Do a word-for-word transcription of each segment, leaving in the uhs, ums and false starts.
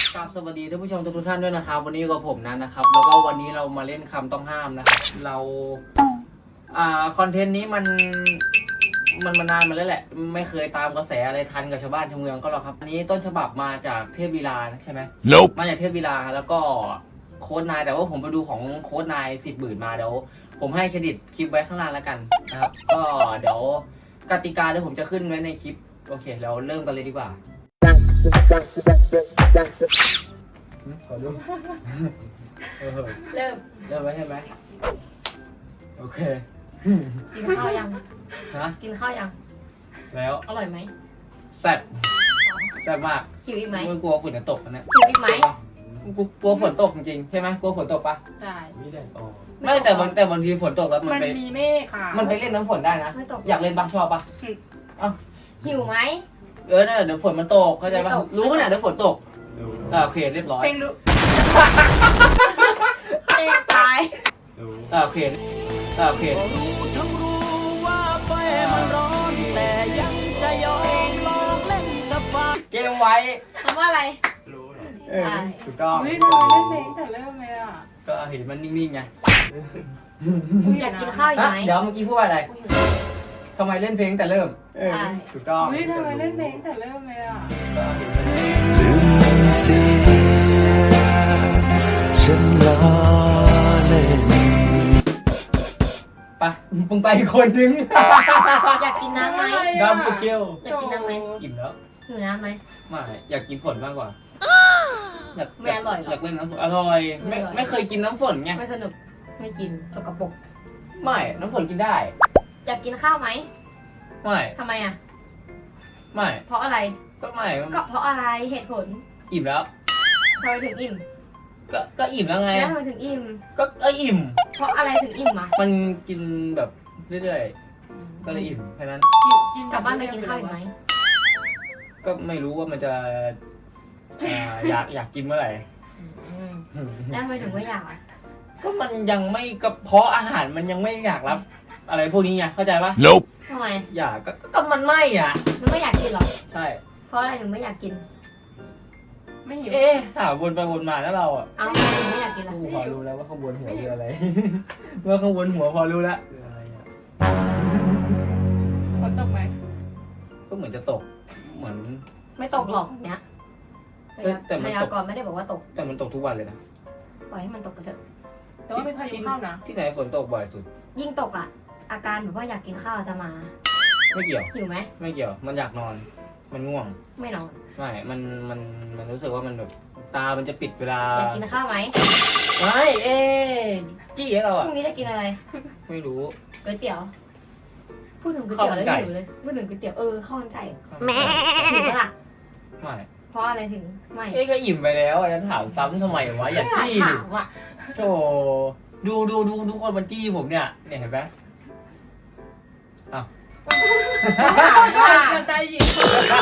กราบสวัสดีท่านผู้ชมทุกท่านด้วยนะครับวันนี้กับผมนั้นนะครับแล้วก็วันนี้เรามาเล่นคำต้องห้ามนะครับเราอ่าคอนเทนต์นี้มันมันมานานมาแล้วแหละไม่เคยตามกระแสอะไรทันกับชาวบ้านชาวเมืองก็หรอกครับอันนี้ต้นฉบับมาจากเทพวีลาใช่ไหม Nope มาจากเทพวีลาแล้วก็โค้ดนายแต่ว่าผมไปดูของโค้ดนายสิบหมื่นมาเดี๋ยวผมให้เครดิตคลิปไว้ข้างล่างแล้วกันนะครับก็เดี๋ยวกติกาเดี๋ยวผมจะขึ้นไว้ในคลิปโอเคเราเริ่มกันเลยดีกว่าขอดูเริ่มเริ่มไว้ใช่ไหมโอเคกินข้าวยังฮะกินข้าวยังแล้วอร่อยไหมแซ่บแซ่บมากหิวอีกไหมไม่กลัวฝนจะตกนะหิวอีกไหมกลัวฝนตกจริงๆใช่ไหมกลัวฝนตกปะใช่มีแดดออกไม่แต่บางแต่บางทีฝนตกแล้วมันมันไปมีเมฆค่ะมันไปเล่นน้ำฝนได้นะอยากเล่นบ้างชอบปะเอ้าหิวไหมเออเนี่ยเดี๋ยวฝนมันตกเข้าใจปะรู้ขนาดเดี๋ยวฝนตกอ่าโอเคเรียบร้อยเพลงรู้เองตายอ่าโอเคอ่าโอเคทั้งรู้ว่าไฟมันร้อนแต่ยังจะยอมลองเล่นกับไฟเกมไว้คำว่าอะไรเออถูกต้องเฮ้ยทำไมเล่นเพลงแต่เริ่มเลยอ่ะก็เห็นมันนิ่งๆไงอยากกินข้าวอยู่ไหมเดี๋ยวเมื่อกี้พูดว่าอะไรทำไมเล่นเพลงแต่เริ่มเออถูกต้องเฮ้ยทำไมเล่นเพลงแต่เริ่มเลยอ่ะก็เห็นมันลืมเสียฉันล้อเล่นไปมึงไปอีกคนนึงอยากกินน้ำไหมดำกูเกี้ยวอยากกินน้ำไหมอิ่มแล้วหิวน้ำไหมไม่อยากกินฝนมากกว่าอยากไม่อร่อยหรออยากเล่นน้ำฝนอร่อยไม่ไม่เคยกินน้ำฝนไงไม่สนุกไม่กินสกปรกไม่น้ำฝนกินได้อยากกินข้าวไหมไม่ทำไมอ่ะไม่เพราะอะไรก็ไม่ก็เพราะอะไรเหตุผลอิ่มแล้วทำไมถึงอิ่มก็ก็อิ่มแล้วไงแล้วทำไมถึงอิ่มก็เอออิ่มเพราะอะไรถึงอิ่มอ่ะมันกินแบบเรื่อยๆก็เลยอิ่มแค่นั้นกลับบ้านไปกินข้าวอีกไหมก็ไม่รู้ว่ามันจะอยากอยากกินเมื่อไหร่แล้วทำไมถึงไม่อยากอ่ะก็มันยังไม่กระเพาะอาหารมันยังไม่อยากรับอะไรพวกนี้ไงเข้าใจปะ Nope ทำไมอยากก็ก็มันไม่อ่ะมันไม่อยากกินหรอใช่เพราะอะไรถึงไม่อยากกินไม่หิวเอ๊ะถามวนไปวนมาแล้วเราอ่ะเอาถึงไม่อยากกินหรอพอรู้แล้วว่าข้างบนหัวคืออะไรเมื่อข้างบนหัวพอรู้แล้วคืออะไรอ่ะฝนตกไหมก็เหมือนจะตกเหมือนไม่ตกหรอกเนี้ยพยากรณ์ไม่ได้บอกว่าตกแต่มันตกทุกวันเลยนะปล่อยให้มันตกไปเถอะแต่ว่าเป็นพายุเข้านะที่ไหนฝนตกบ่อยสุดยิ่งตกอ่ะอาการแบบว่าอยากกินข้าวจะมาไม่เกี่ยวหิวไหมไม่เกี่ยวมันอยากนอนมันง่วงไม่นอนไม่มันมันมันรู้สึกว่ามันแบบตามันจะปิดเวลาอยากกินข้าวไหมไม่เอ๊จี้ให้เราอ่ะพรุ่งนี้จะกินอะไรไม่รู้ก๋วยเตี๋ยวพูดถึงก๋วยเตี๋ยวแล้วหิวเลยพูดถึงก๋วยเตี๋ยวเออข้าวมันไก่แม่หิวปะล่ะไม่เพราะอะไรถึงไม่เอ๊ก็อิ่มไปแล้วจะถามซ้ำทำไมวะอยากจี้ดิโธ่ดูดูดูทุกคนมันจี้ผมเนี่ยเนี่ยเห็นไหมอ้าวใจหยิบ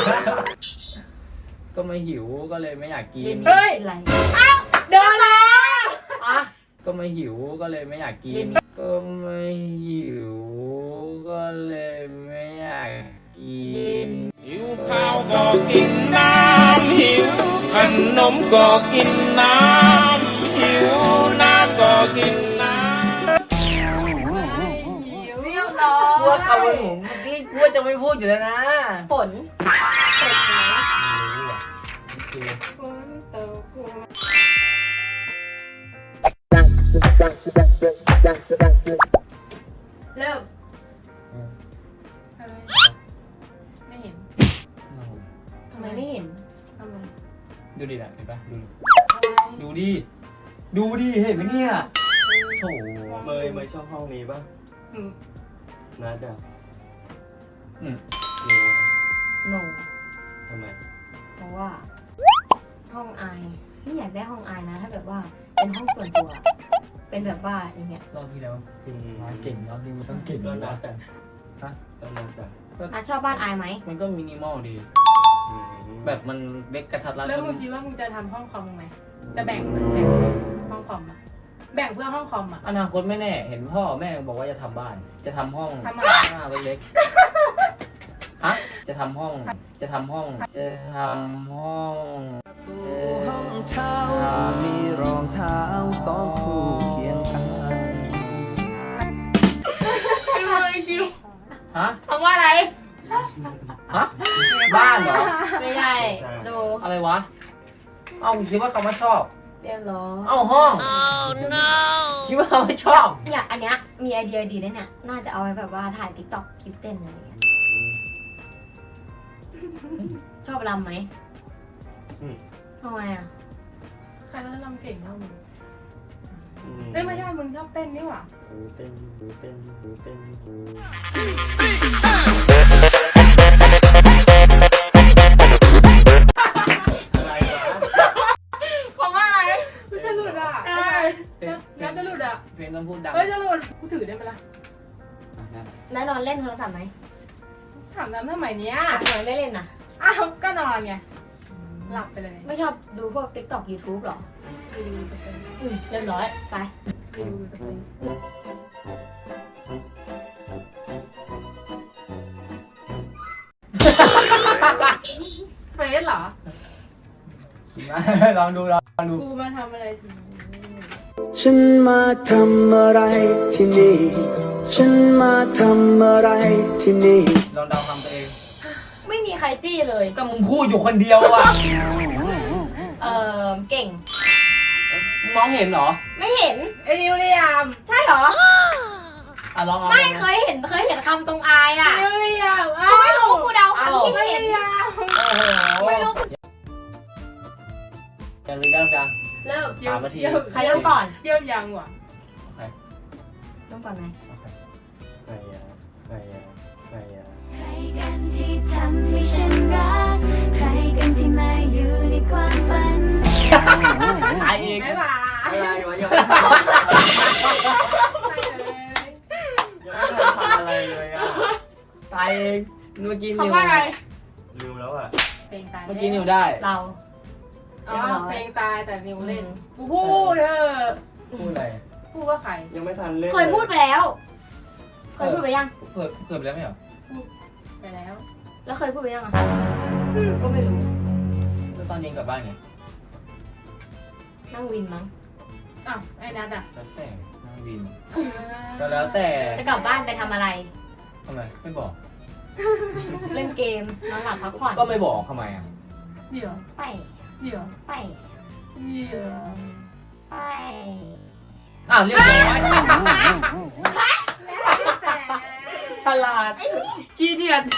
ก็ไม่หิวก็เลยไม่อยากกินเฮ้ยอะไรอ้าวเดินแล้วอ่ะก็ไม่หิวก็เลยไม่อยากกินก็ไม่หิวก็เลยไม่อยากกินหิวข้าวก็กินน้ำหิวขนมก็กินน้ำหิวน้ำก็กินน้ำเรียบร้อยกลัวเขาเลยผมเมื่อกี้กลัวจะไม่พูดอยู่แล้วนะฝนฝนไหมฝนตกเริ่มไม่เห็นทำไมไม่เห็นทำไมดูดินะเห็นปะดูดูดิดูดิเห็นไหมเนี่ยโถเมยเมยชอบห้องนี้ป่ะนัดอ่ะอืมโนทำไมเพราะว่าห้องอายไม่อยากได้ห้องอายนะถ้าแบบว่าเป็นห้องส่วนตัวเป็นแบบว่าอย่างเงี้ยรอบที่แล้วมาเก่งรอบนี้มันต้องเก่งก็นัดอ่ะฮะก็นัดอ่ะนัดชอบบ้านอายไหมมันก็มินิมอลดีแบบมันเล็กกระทัดรัดแล้วมึงคิดว่ามึงจะทำห้องคอมไหมจะแบ่งแบ่งห้องคอมอะแบ่งเพื่อห้องคอมอ่ะอนาคตไม่แน่เห็นพ่อแม่บอกว่าจะทำบ้านจะทำห้องหน้าเล็กๆฮะจะทำห้องจะทำห้องจะทำห้องห้องบ้านเหรอไม่ใช่ใช่ดูอะไรวะ เอ้าคิดว่าคำว่าชอบเรียบร้อยเอ้าห้องคิดว่าคำว่าชอบเนี่ยอันเนี้ยมีไอเดียดีนะเนี่ย น่าจะเอาไว้แบบว่าถ่ายติ๊กต็อกคลิปเต้นอะไรอย่างเงี้ย ชอบรำไหมอืมทำไมอ่ะใครก็จะรำเก่งเท่ามึงอืมเอ้ยไม่ใช่มึงชอบเต้นนี่หว่าหูเต้นหูเต้นหูเต้นหู อะไรวะเพราะว่าอะไรจะหลุดอ่ะเอ้ยงั้นจะหลุดอ่ะเพลงต้องพูดดังเฮ้ยจะหลุดกูถือได้ไหมล่ะนายนอนเล่นโทรศัพท์ไหมถามน้ำทำไมเนี้ยทำไมไม่เล่นน่ะอ้าวก็นอนไงหลับไปเลยไม่ชอบดูพวกติ๊กต็อกยูทูบหรอรีวิวไปเลยอืมเรียบร้อย ไปรีวิวไปเลยเฟซเหรอลองดูลองดูกูมาทำอะไรทีนี้ฉันมาทำอะไรที่นี่ ฉันมาทำอะไรที่นี่ลองเดาคำตัวเองไม่มีใครจี้เลยก็มึงพูดอยู่คนเดียวอ่ะเออเก่งมองเห็นเหรอไม่เห็นไอ้นิวเลียมใช่เหรออ่ะลองเอาไม่ลองเคยเห็นเคยเห็นคำตรงอายอ่ะนิวเลียมกูไม่รู้กูเดาคำที่ไม่เห็นเลียมโอ้โหไม่รู้ยังเลยยังยังเริ่มสามนาทีใครเริ่มก่อนเยี่ยมยังว่ะโอเคเริ่มก่อนไหมโอเคใครอะใครอะใครอะใครกันที่ทำให้ฉันรัก ใครกันที่มาอยู่ในความฝันตายเองไม่ป่าอะไรวะยังไม่ทันยังไม่ทันทำอะไรเลยอ่ะตายเองเมื่อกี้นิวคำว่าอะไรลืมแล้วอ่ะเพลงตายเมื่อกี้นิวได้เราอ๋อเพลงตายแต่นิวเล่นอืมกูพูดเออพูดอะไรพูดว่าใครยังไม่ทันเล่นเคยพูดไปแล้ว เคยพูดไปยังเผื่อเผื่อไปแล้วไม่เหรอไปแล้วแล้วเคยพูดไปยังอ่ะก็ไม่รู้แล้วตอนเย็นกลับบ้านไงนั่งวินมั้งอ้าวไอ้นัทอ่ะแล้วแต่นั่งวินก็แล้วแต่จะกลับบ้านไปทำอะไรทำไมไม่บอกเล่นเกมนอนหลับพักผ่อนก็ไม่บอกทำไมอ่ะเดี๋ยวไปเดี๋ยวไปเดี๋ยวไปอ่ะเรียบร้อยแต่ฉลาดจีเนียส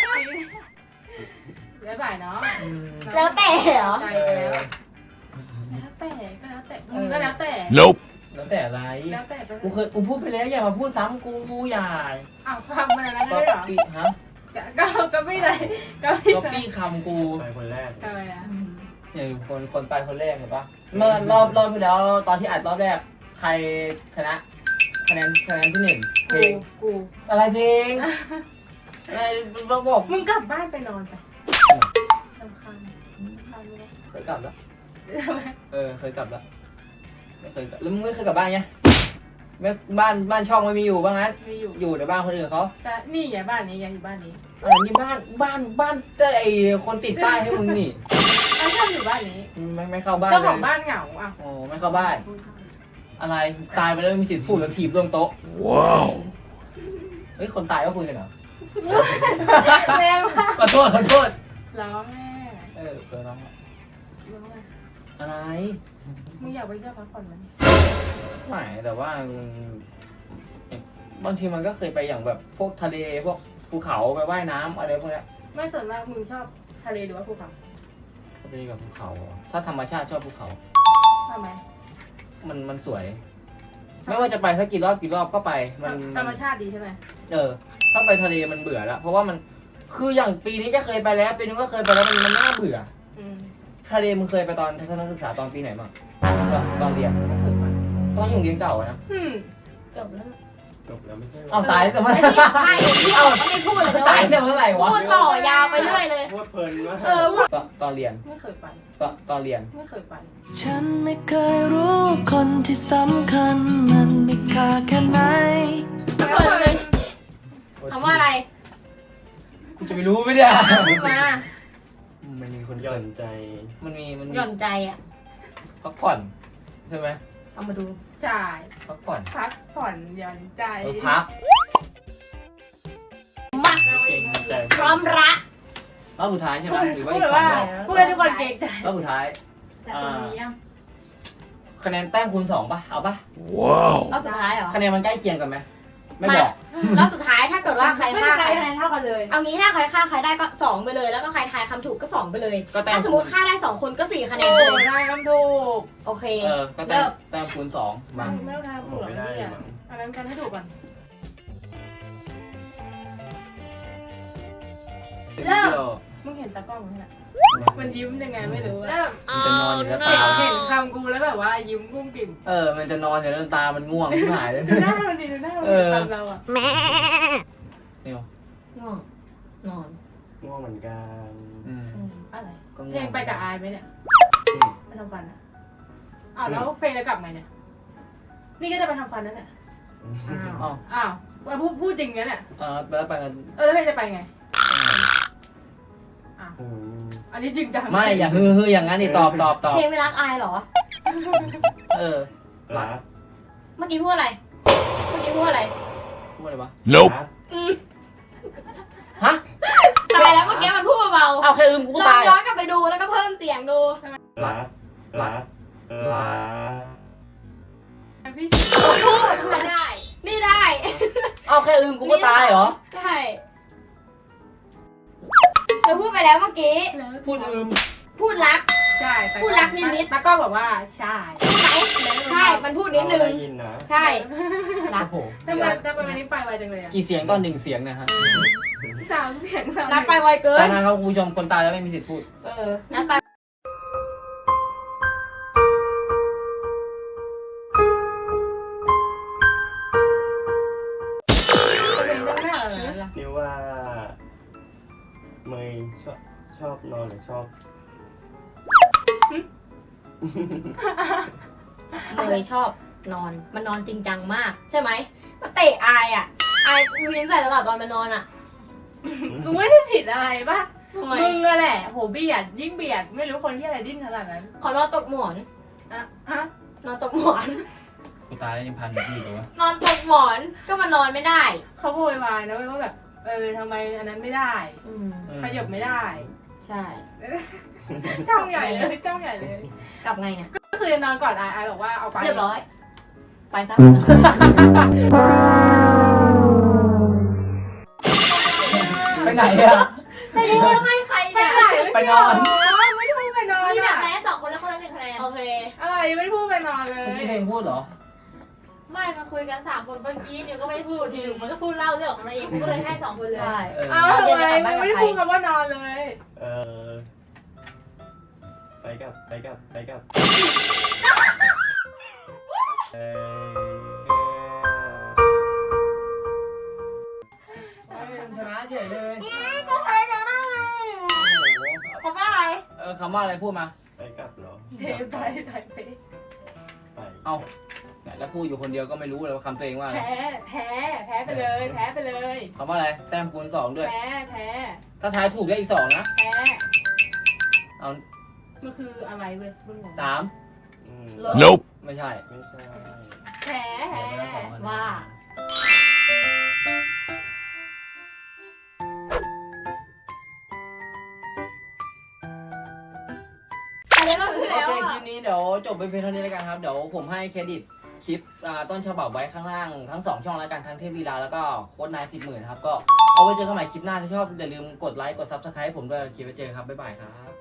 แล้วบ่ายเนาะแล้วแต่เหรอใจไปแล้วแล้วแต่ก็แล้วแต่มึงก็แล้วแต่ Nope แล้วแต่อะไรแล้วแต่ไปกูเคยกูพูดไปแล้วอย่ามาพูดซ้ำกูกูอย่าอ้าวฟังมาแล้วก็ได้เหรอปี้ฮะก็ก็ไม่เลยก็ไม่ก็เลยปี้คำกูไปคนแรกทำไมอ่ะอย่างคนคนไปคนแรกเห็นปะเมื่อรอบรอบที่แล้วตอนที่อัดรอบแรกใครชนะคะแนนคะแนนที่หนึ่งเพลกูงกูอะไรเพลงอะไรบอกบอกมึงกลับบ้านไปนอนไปรำคาญรำคาญไหมเคยกลับแล้วทำไมเออเคยกลับแล้วไม่เคยกลับแล้วมึงไม่เคยกลับบ้านไงไม่บ้านบ้านช่องไม่มีอยู่บ้างงั้นไม่อยู่อยู่ในบ้านคนอื่นเขาจะนี่ไงบ้านนี้ยังอยู่บ้านนี้อันนี้บ้านบ้านบ้านแต่ไอคนติดป้ายให้มึงนี่เราชอบอยู่บ้านนี้ไม่ไม่เข้าบ้านเจ้าเลของยบ้านเหงาอ่ะโอ้ไม่เข้าบ้าน อะไรตายไปแล้วมีสิทธิ์พูดแล้วถีบลงโต๊ะว้าวเฮ้ยคนตายก็คุยกันเหรอแรงมากขอโทษขอโทษร้องแม่เออเจอน้องร้องแม่อะไรมึงอยากไปเที่ยวพักผ่อนไหมไม่แต่ว่าบางทีมันก็เคยไปอย่างแบบพวกทะเลพวกภูเขาไปว่ายน้ำอะไรพวกเนี้ยไม่ส่วนมากมึงชอบทะเลหรือว่าภูเขาทะเลกับภูเขาเหรอถ้าธรรมชาติชอบภูเขาทำไมมันมันสวย ไม่ว่าจะไปสักกี่รอบกี่รอบก็ไป มันธรรมชาติดีใช่ไหมเออ ถ้าไปทะเลมันเบื่อแล้ว เพราะว่ามันคืออย่างปีนี้ก็เคยไปแล้วปีนึงก็เคยไปแล้วมันมันน่าเบื่ออืมทะเลมึงเคยไปตอนทัศนศึกษาตอนปีไหนบ้างตอนตอนเรียนไม่เคยไปตอนอยู่เรียนเก่าอะนะอืมจบแล้วจบแล้วไม่ใช่หรเอาตายแต่เมื่อไหร่ใช่ที่เอาก็ไม่พูดเลยนะตายแต่เมื่อไหร่วะพูดต่อยาวไปเรื่อยเลยพูดเพลินมากเออพูดตอนตอนเรียนไม่เคยไปตอนตอนเรียนไม่เคยไปฉันไม่เคยรู้คนที่สำคัญมันมีค่าแค่ไหนไม่เคยคำว่าอะไรกูจะไปรู้ไหมเนี่ยพูดมามันมีคนหย่อนใจมันมีมันมีหย่อนใจอ่ะพักผ่อนใช่ไหมเอามาดูจ่ายพักผ่อนพักผ่อนหย่อนใจเออพักมาเก่งใจพร้อมระรอบสุดท้ายใช่ไหมหรือว่าพูอีดกแบบสองว่ารอบพูดให้ทุกคนเกรงใจรอบสุดท้ายแต่คนนี้ยังคะแนนแต้มคูณสองป่ะเอาป่ะรอบสุดท้ายเหรอคะแนนมันใกล้เคียงกันไหมไม่บอกรอบสุดท้ายถ้าเกิดว่าใครไม่ฆ่ามีใคใครรคะแนนเท่ากันเลยเอางี้ถ้าใครฆ่าใครได้ก็สองไปเลย แล้วก็ใครทายคำถูกก็สองไปเลยก็แต้มถ้าสมมติฆ่าได้สองคนก็สี่คะแนนโอ้ไปเลยได้คำถูกโอเคเออก็แต้มแต้มคูณสองมาไม่ต้องทายโอ้ถูกหรอกไม่ได้เลเนี่ยยมั้งอันนั้นกันให้ถูกก่อนเริ่มมึงเห็นตากล้องไหมน่ะมันยิ้มยังไงไม่รู้อะเริ่มมันจะนอนอยู่แล้วเห็ตานเห็นคำกูแล้วแบบว่ายิ้มกุ้มกิ่มเออมันจะนอนอยู่แล้วตามันง่วงที่หายเลยดูหน้ามันดีดูหน้ามันเออคำเราอะเนี่ยง่วงนอนง่วงเหมือนกันอืมอะไรก็ง่วงเพลงไปกับอายไหมเนี่ยอืมไปทำฟันอะอ้าวแล้วเพลงจะกลับไงเนี่ย นี่ก็จะไปทำฟันนั่นแหละอ๋ออ้าวมาพูดพูดจริงงั้นเนี่ยเออแล้วไปกันเออแล้วเพลงจะไปไงอืมอันนี้จริงจังไม่อย่าฮือฮืออย่างนั้นนี่ตอบตอบตอบเพลงไม่รักอายเหรอเออรักเมื่อกี้พูดอะไร เมื่อกี้พูดอะไรพูดอะไรวะ Nope. รักฮะตายแล้วเมื่อกี้มันพูดเบาเอาแค่อึมกูๆก็ลองตายย้อนกลับไปดูแล้วก็เพิ่มเสียงดูรักรักรักพี่พูดไม่ได้ นี่ได้เอาแค่อึมกูก็ตายเหรอใช่เธอพูดไปแล้วเมื่อกี้พูดอึมพูดรักใช่แต่พูดรักนิดๆตากล้องบอกว่าใช่ใช่ไหมใช่ มันพูดนิดนึงเราได้ยินนะใช่ รักโอ้โหทำไมทำไมวันนี้ไปไวจังเลยอะกี่เสียงก็หนึ่งเสียงนะฮะสามเสียงสามนัดไปไวเกิแต่นนะครับคุณผู้ชมคนตายแล้วไม่มีสิทธิ์พูดเออ นัดไปเพลงได้แม่อะไรล่ะนิวว่าเมย์ชอบชอบนอนหรือชอบเลยชอบนอน มันนอนจริงจังมาก ใช่ไหมมันเตะอายอ่ะ อายวินใส่ตลอดตอนมันนอนอ่ะกูไม่ได้ผิดอะไรป่ะทำไมมึงอะแหละโหเบียดยิ่งเบียดไม่รู้คนที่อะไรดิ้นขนาดนั้นขอนอนตกหมอนอะฮะนอนตกหมอนกูตายแล้วยังพันอยู่ที่เลยวะนอนตกหมอน ก็มันนอนไม่ได้เขาโวยวายนะเว้ยว่าแบบเออทำไมอันนั้นไม่ได้อืมขยับไม่ได้ใช่จ้องใหญ่เลยจ้องใหญ่เลยกลับไงเนี่ยก็คือจะนอนก่อนอายอายบอกว่าเอาไปเรียบร้อย ไปซะไปไหนอะแต่ยังไม่ให้ใครเนี่ยไปนอนไม่ได้พูดไปนอนนี่แบบอะแพ้สองคนแล้วคนละหนึ่งคะแนน โอเคอะไรไม่ได้พูดไปนอนเลเมื่อย กี้เพลงพูดเหรอไม่มาคุยกันสามคนเมื่อกี้นิวก็ไม่ได้พูดนิวมันก็พูดเล่าเรื่องของมันเองกูก็เลยให้สองคนเลยใช่เอออ้าวทำไมมึงไม่ได้พูดคำว่านอนเลยเออไปกับไปกับไปกับเออชนะเฉยเลยก็ใครกันได้คำว่าอะไรเออคำว่าอะไรพูดมาไปกับเหรอเทไปไทยไปไปเอาไหนแล้วพูดอยู่คนเดียวก็ไม่รู้เลยว่าคำตัวเองว่าอะไรแพ้แพ้แพ้ไปเลยแพ้ไปเลยคำว่าอะไร แต้มคูณสองด้วยแพ้แพ้ถ้าทายถูกได้อีกสองนะแพ้เอามันคืออะไรเว้ยมึงงงสามอืม Nope. ไม่ใช่ไม่ใช่แพ้แพ้เดี๋ยวไปแล้วสองคนว่า อะไรรอบที่โอแล้วเคคอ่ะลิปนี้เดี๋ยวจบไปเพียงเท่านี้แล้วกันครับ เดี๋ยวผมให้เครดิตคลิปอ่าต้นฉบับไว้ข้างล่างทั้งสองช่องแล้วกันทั้งเทพวีลาแล้วก็โค้ดนายสิบหมื่นครับ ก็เอาไว้เจอกันใหม่คลิปหน้าถ้าชอบอย่าลืมกดไลค์กดซับสไครต์ผมด้วยคลิปไว้เจอกันครับ บ๊ายบายครับ